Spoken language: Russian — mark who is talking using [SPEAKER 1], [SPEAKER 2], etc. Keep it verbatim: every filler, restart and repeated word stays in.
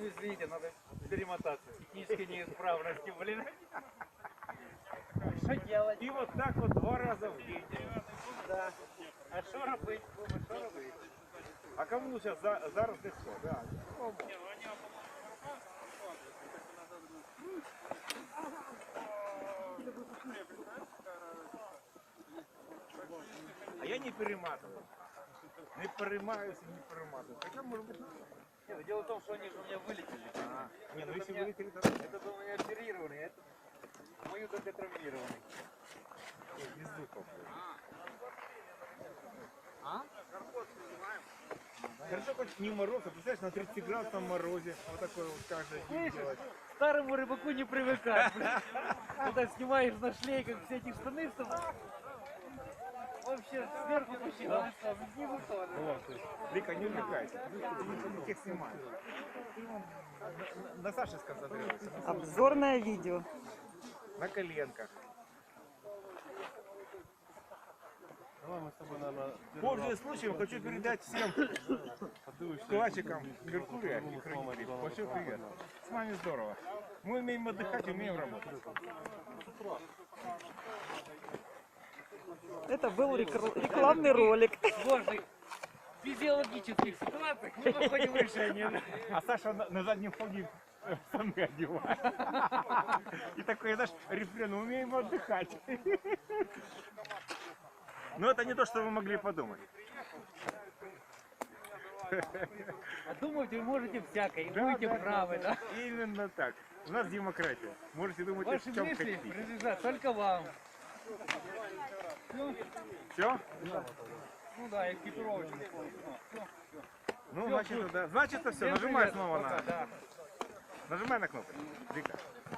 [SPEAKER 1] извините, надо перемотаться. Технические неисправности, блин. Что делать?
[SPEAKER 2] И вот так вот два раза в день.
[SPEAKER 1] Да. А что робить? Что робить?
[SPEAKER 2] А кому сейчас за, зараз легко, да. А я не перематываю. Не перемаюсь и не перематываю. Хотя, может быть,
[SPEAKER 1] Нет, дело в том, что они же у меня вылетели.
[SPEAKER 2] а, не, ну
[SPEAKER 1] Это
[SPEAKER 2] если
[SPEAKER 1] у меня-
[SPEAKER 2] вылетели, то
[SPEAKER 1] Это был у меня оперированный, а это мою только травмированный.
[SPEAKER 2] без звуков.
[SPEAKER 1] А?
[SPEAKER 2] Хорошо, хоть не мороз, а представляешь, на тридцатиградусном морозе. Вот такой вот каждый день делать.
[SPEAKER 1] Старому рыбаку не привыкать, блин. Когда снимаешь на шлей, как все эти штаны, чтобы вообще сверху посчитать, а снизу тоже.
[SPEAKER 2] Вот, то есть, Вика, не увлекайся. Ты тех снимаешь. Ты вон на, на Саше сконцентрируйся. На,
[SPEAKER 3] Обзорное видео.
[SPEAKER 2] на коленках. Пользуясь случаем, хочу передать всем вкладчикам Меркурия и хранителей большой привет. С вами здорово. Мы умеем отдыхать, умеем работать.
[SPEAKER 3] Это был рекр- рекламный ролик.
[SPEAKER 1] Сложных физиологических ситуациях мы находим решение.
[SPEAKER 2] А Саша на, на заднем фоне штаны одевает. И такой, знаешь, рефрен, умеем отдыхать. Но это не то, что вы могли подумать.
[SPEAKER 1] А думать вы можете всякое, и
[SPEAKER 2] Да,
[SPEAKER 1] будете
[SPEAKER 2] да,
[SPEAKER 1] правы, да?
[SPEAKER 2] Именно так. У нас демократия. Можете думать, о
[SPEAKER 1] Ваши
[SPEAKER 2] чем
[SPEAKER 1] мысли
[SPEAKER 2] хотите.
[SPEAKER 1] принадлежат только вам. Ну,
[SPEAKER 2] Все?
[SPEAKER 1] ну да, экипировочку.
[SPEAKER 2] Ну, значит, да. Значит, все. Нажимай снова на.
[SPEAKER 1] Да.
[SPEAKER 2] Нажимай на кнопку. Вика.